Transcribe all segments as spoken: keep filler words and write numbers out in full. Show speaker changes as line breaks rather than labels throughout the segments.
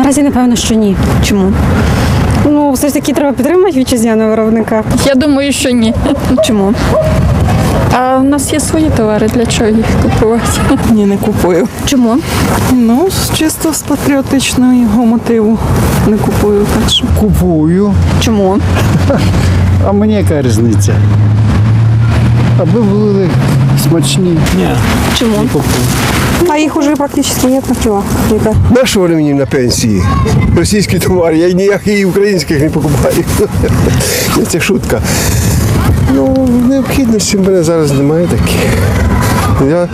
Наразі, напевно, що ні.
Чому?
Ну, все ж таки треба підтримувати вітчизняного виробника.
Я думаю, що ні.
Чому?
А в нас є свої товари, для чого їх купувати?
Ні, не купую.
Чому?
Ну, з- чисто з патріотичного мотиву не купую. Так що.
Купую.
Чому?
А мені яка різниця? Аби були смачні. Ні.
Чому?
А їх уже практично нет на кіло.
На що вони мені на пенсії? Російські товари, я ніяких і українських не покупаю. Це шутка. Ну, необхідності в мене зараз немає таких. Я,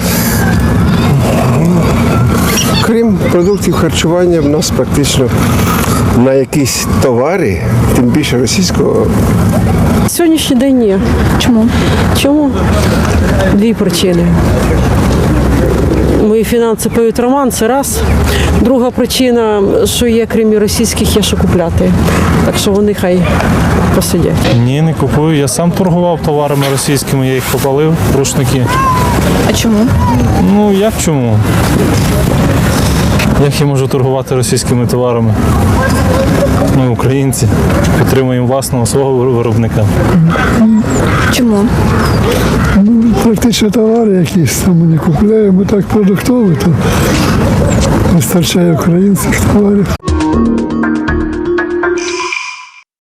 крім продуктів харчування, в нас практично на якісь товари, тим більше російського,
Сьогоднішній день ні.
Чому?
Чому? Дві причини. Мої фінанси поють роман, це раз. Друга причина, що є, крім російських, є що купляти. Так що вони хай посидять.
Ні, не купую. Я сам торгував товарами російськими, я їх попалив, рушники.
А чому?
Ну, як чому? Як я можу торгувати російськими товарами? Ми українці, підтримуємо власного свого виробника.
Чому?
Практично товари якісь там ми не купуємо, так продуктові, то вистачає українських товарів.